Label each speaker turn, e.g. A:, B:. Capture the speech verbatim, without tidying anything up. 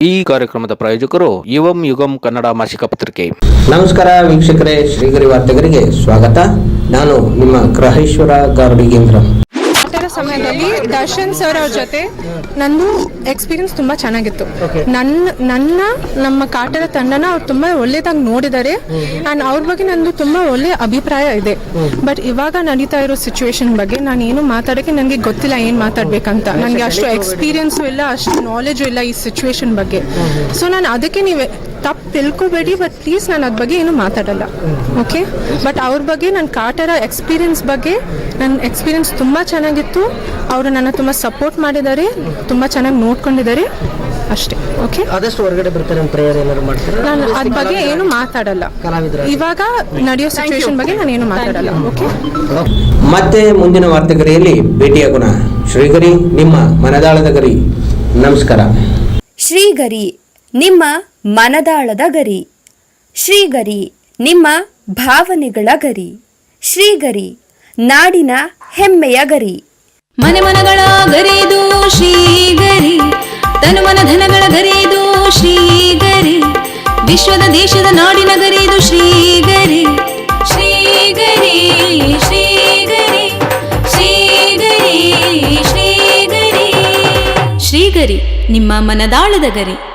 A: ಈ ಕಾರ್ಯಕ್ರಮದ ಪ್ರಾಯೋಜಕರು ಯುವಂ ಯುಗಂ ಕನ್ನಡ ಮಾಸಿಕ ಪತ್ರಿಕೆ.
B: ನಮಸ್ಕಾರ ವೀಕ್ಷಕರೇ, ಶ್ರೀಗರಿ ವಾರ್ತೆಗರಿಗೆ ಸ್ವಾಗತ. ನಾನು ನಿಮ್ಮ ಗ್ರಹೇಶ್ವರ ಗಾರ್ಡಿಗೇಂದ್ರ.
C: ಸಮಯದಲ್ಲಿ ದರ್ಶನ್ ಸರ್ ಅವ್ರ ಜೊತೆ ನಂದು ಎಕ್ಸ್ಪೀರಿಯನ್ಸ್ ತುಂಬಾ ಚೆನ್ನಾಗಿತ್ತು. ನನ್ನ ನನ್ನ ನಮ್ಮ ಕಾಟರ ತಂಡನ ಅವ್ರು ತುಂಬಾ ಒಳ್ಳೇದಾಗಿ ನೋಡಿದ್ದಾರೆ ಅಂಡ್ ಅವ್ರ ಬಗ್ಗೆ ನಂದು ತುಂಬಾ ಒಳ್ಳೆ ಅಭಿಪ್ರಾಯ ಇದೆ. ಬಟ್ ಇವಾಗ ನಡೀತಾ ಇರೋ ಸಿಚುವೇಶನ್ ಬಗ್ಗೆ ನಾನು ಏನು ಮಾತಾಡೋಕ್ಕೆ ನನಗೆ ಗೊತ್ತಿಲ್ಲ, ಏನು ಮಾತಾಡ್ಬೇಕಂತ. ನನಗೆ ಅಷ್ಟು ಎಕ್ಸ್ಪೀರಿಯನ್ಸು ಇಲ್ಲ, ಅಷ್ಟು ನಾಲೆಜು ಇಲ್ಲ ಈ ಸಿಚುವೇಶನ್ ಬಗ್ಗೆ. ಸೊ ನಾನು ಅದಕ್ಕೆ ನೀವು ತಪ್ಪು ತಿಳ್ಕೊಬೇಡಿ, ಬಟ್ ಪ್ಲೀಸ್ ನಾನು ಅದ್ರ ಬಗ್ಗೆ ಏನು ಮಾತಾಡಲ್ಲ, ಓಕೆ? ಬಟ್ ಅವ್ರ ಬಗ್ಗೆ ನನ್ನ ಕಾಟರ ಎಕ್ಸ್ಪೀರಿಯನ್ಸ್ ಬಗ್ಗೆ ನನ್ನ ಎಕ್ಸ್ಪೀರಿಯನ್ಸ್ ತುಂಬ ಚೆನ್ನಾಗಿತ್ತು. ಅವರು ನನ್ನ ತುಂಬ ಸಪೋರ್ಟ್ ಮಾಡಿದ್ದಾರೆ, ತುಂಬ ಚೆನ್ನಾಗಿ ನೋಡ್ಕೊಂಡಿದ್ದಾರೆ, ಅಷ್ಟೇ. ಓಕೆ,
D: ಆದಷ್ಟು ಹೊರಗಡೆ ಬರ್ತಾರೆ ಅಂತ ಪ್ರೇಯರ್ ಏನಾದ್ರು ಮಾಡ್ತಾರೆ.
C: ನಾನು ಅದ್ರ ಬಗ್ಗೆ ಏನು ಮಾತಾಡಲ್ಲ, ಇವಾಗ ನಡೆಯೋ ಸಿಚುವೇಶನ್ ಬಗ್ಗೆ ನಾನು ಏನು ಮಾತಾಡಲ್ಲ, ಓಕೆ?
B: ಮತ್ತೆ ಮುಂದಿನ ವಾರ್ತೆಗರಿಯಲ್ಲಿ ಭೇಟಿಯಾಗೋಣ. ಶ್ರೀಗರಿ, ನಿಮ್ಮ ಮನದಾಳದ ಗರಿ. ನಮಸ್ಕಾರ.
E: ಶ್ರೀಗರಿ, ನಿಮ್ಮ ಮನದಾಳದ ಗರಿ. ಶ್ರೀಗರಿ, ನಿಮ್ಮ ಭಾವನೆಗಳ ಗರಿ. ಶ್ರೀಗರಿ, ನಾಡಿನ ಹೆಮ್ಮೆಯ ಗರಿ.
F: ಮನೆ ಮನಗಳ ಗರಿದು ಶ್ರೀಗರಿ, ತನು ಮನ ಧನಗಳ ಗರಿದು ಶ್ರೀಗರಿ, ವಿಶ್ವದ ದೇಶದ ನಾಡಿನ ಗರಿದು ಶ್ರೀಗರಿ. ಶ್ರೀಗರಿ ಶ್ರೀಗರಿ ಶ್ರೀಗರಿ ಶ್ರೀಗರಿ ಶ್ರೀಗರಿ, ನಿಮ್ಮ ಮನದಾಳದ ಗರಿ.